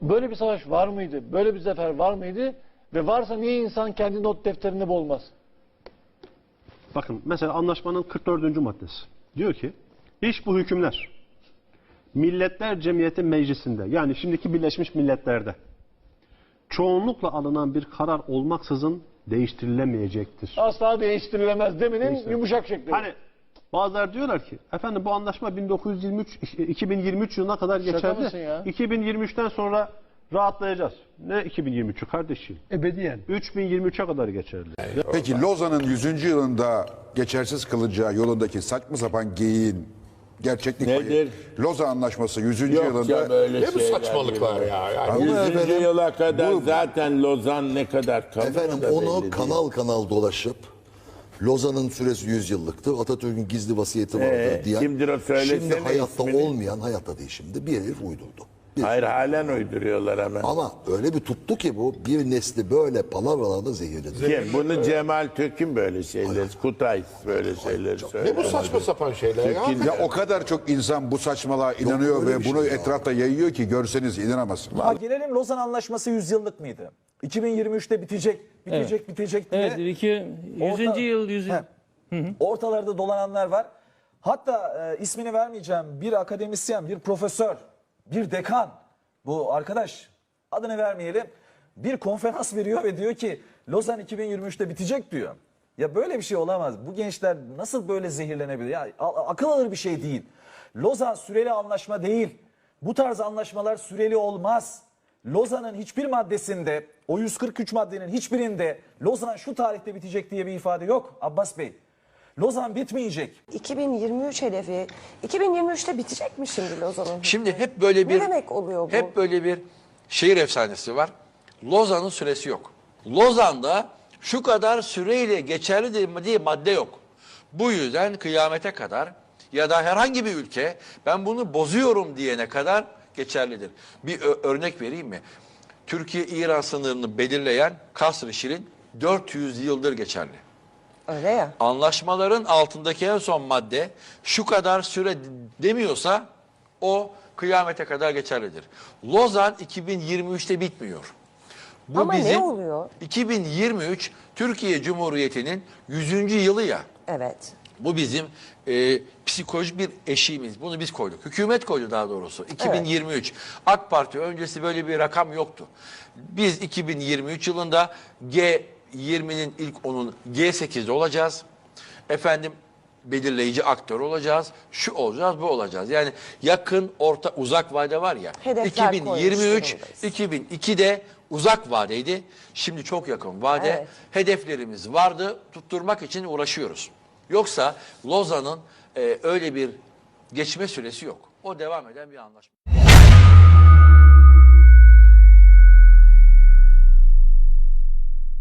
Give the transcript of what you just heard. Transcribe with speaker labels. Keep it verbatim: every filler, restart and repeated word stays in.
Speaker 1: Böyle bir savaş var mıydı? Böyle bir zafer var mıydı? Ve varsa niye insan kendi not defterini bulmaz?
Speaker 2: Bakın mesela anlaşmanın kırk dördüncü maddesi. Diyor ki, iş bu hükümler Milletler Cemiyeti Meclisi'nde, yani şimdiki Birleşmiş Milletler'de çoğunlukla alınan bir karar olmaksızın değiştirilemeyecektir.
Speaker 1: Asla değiştirilemez deminin yumuşak şekli.
Speaker 2: Hani bazıları diyorlar ki, efendim bu anlaşma bin dokuz yüz yirmi üç, iki bin yirmi üç yılına kadar geçerli. iki bin yirmi üçten sonra rahatlayacağız. Ne iki bin yirmi üçü kardeşim?
Speaker 3: Ebediyen.
Speaker 2: üç bin yirmi üçe kadar geçerli.
Speaker 4: Peki Lozan'ın yüzüncü yılında geçersiz kılacağı yolundaki saçma sapan geyiğin gerçeklik payı.
Speaker 5: Nedir?
Speaker 4: Lozan Anlaşması yüzüncü
Speaker 5: Yok
Speaker 4: yılında.
Speaker 5: ya böyle
Speaker 6: Ne bu
Speaker 5: şeyler
Speaker 6: saçmalıklar
Speaker 5: gibi.
Speaker 6: ya?
Speaker 5: Yani
Speaker 6: Yani
Speaker 4: Ama
Speaker 5: yüzüncü
Speaker 4: efendim,
Speaker 5: yıla kadar
Speaker 4: bu-
Speaker 5: zaten Lozan ne kadar kalır
Speaker 7: Efendim
Speaker 5: da
Speaker 7: onu
Speaker 5: belli
Speaker 7: kanal kanal dolaşıp Lozan'ın süresi yüz yıllıktı. Atatürk'ün gizli vasiyeti vardı
Speaker 5: Ee,
Speaker 7: diyen.
Speaker 5: kimdir o? Söylesene
Speaker 7: Şimdi hayatta
Speaker 5: ismini.
Speaker 7: olmayan, hayatta değil şimdi. Bir herif uydurdu. Bir-
Speaker 5: Hayır, halen uyduruyorlar hemen.
Speaker 7: Ama öyle bir tuttu ki bu bir nesli böyle palavralarda zehirledi.
Speaker 5: Kim? Bunu Cemal Türk'ün böyle şeyleri, Kutay böyle şeyleri söylüyor.
Speaker 6: ne bu saçma sapan şeyler ya?
Speaker 4: Ya o kadar çok insan bu saçmalığa inanıyor
Speaker 7: öyle
Speaker 4: ve
Speaker 7: bir şey
Speaker 4: bunu
Speaker 7: ya.
Speaker 4: etrafta yayıyor ki görseniz inanamazsınız.
Speaker 8: Ha, gelelim Lozan Anlaşması yüz yıllık mıydı? iki bin yirmi üçte bitecek, bitecek, bitecek diye.
Speaker 9: Evet, iki, yüzüncü
Speaker 8: Orta-
Speaker 9: yıl, yüz
Speaker 8: He. Ortalarda dolananlar var. Hatta e, ismini vermeyeceğim bir akademisyen, bir profesör, bir dekan, bu arkadaş adını vermeyelim, bir konferans veriyor ve diyor ki Lozan iki bin yirmi üçte bitecek diyor. Ya böyle bir şey olamaz. Bu gençler nasıl böyle zehirlenebilir? Ya a- akıl alır bir şey değil. Lozan süreli anlaşma değil. Bu tarz anlaşmalar süreli olmaz. Lozan'ın hiçbir maddesinde, o yüz kırk üç maddenin hiçbirinde Lozan şu tarihte bitecek diye bir ifade yok Abbas Bey. Lozan bitmeyecek.
Speaker 10: iki bin yirmi üç hedefi iki bin yirmi üçte bitecek mi şimdi Lozan'ın?
Speaker 6: Şimdi hep böyle bir
Speaker 10: Ne demek oluyor bu?
Speaker 6: hep böyle bir şehir efsanesi var. Lozan'ın süresi yok. Lozan'da şu kadar süreyle geçerli diye madde yok. Bu yüzden kıyamete kadar ya da herhangi bir ülke ben bunu bozuyorum diyene kadar geçerlidir. Bir örnek vereyim mi? Türkiye-İran sınırını belirleyen Kasr-ı Şirin dört yüz yıldır geçerli.
Speaker 10: Öyle ya.
Speaker 6: Anlaşmaların altındaki en son madde şu kadar süre demiyorsa o kıyamete kadar geçerlidir. Lozan iki bin yirmi üçte bitmiyor. Bu
Speaker 10: Ama ne
Speaker 6: bizim
Speaker 10: oluyor?
Speaker 6: iki bin yirmi üç Türkiye Cumhuriyeti'nin yüzüncü yılı ya.
Speaker 10: Evet.
Speaker 6: Bu bizim e, psikolojik bir eşiğimiz. Bunu biz koyduk. Hükümet koydu daha doğrusu. iki bin yirmi üç. AK Parti öncesi böyle bir rakam yoktu. Biz iki bin yirmi üç yılında G yirminin ilk onun G sekizde olacağız. Efendim belirleyici aktör olacağız. Şu olacağız, bu olacağız. Yani yakın, orta, uzak vade var ya.
Speaker 10: Hedefler
Speaker 6: iki bin yirmi üç,
Speaker 10: koymuş durumdayız.
Speaker 6: iki bin ikide uzak vadeydi. Şimdi çok yakın vade.
Speaker 10: Evet.
Speaker 6: Hedeflerimiz vardı. Tutturmak için uğraşıyoruz. Yoksa Lozan'ın e, öyle bir geçme süresi yok. O devam eden bir anlaşma.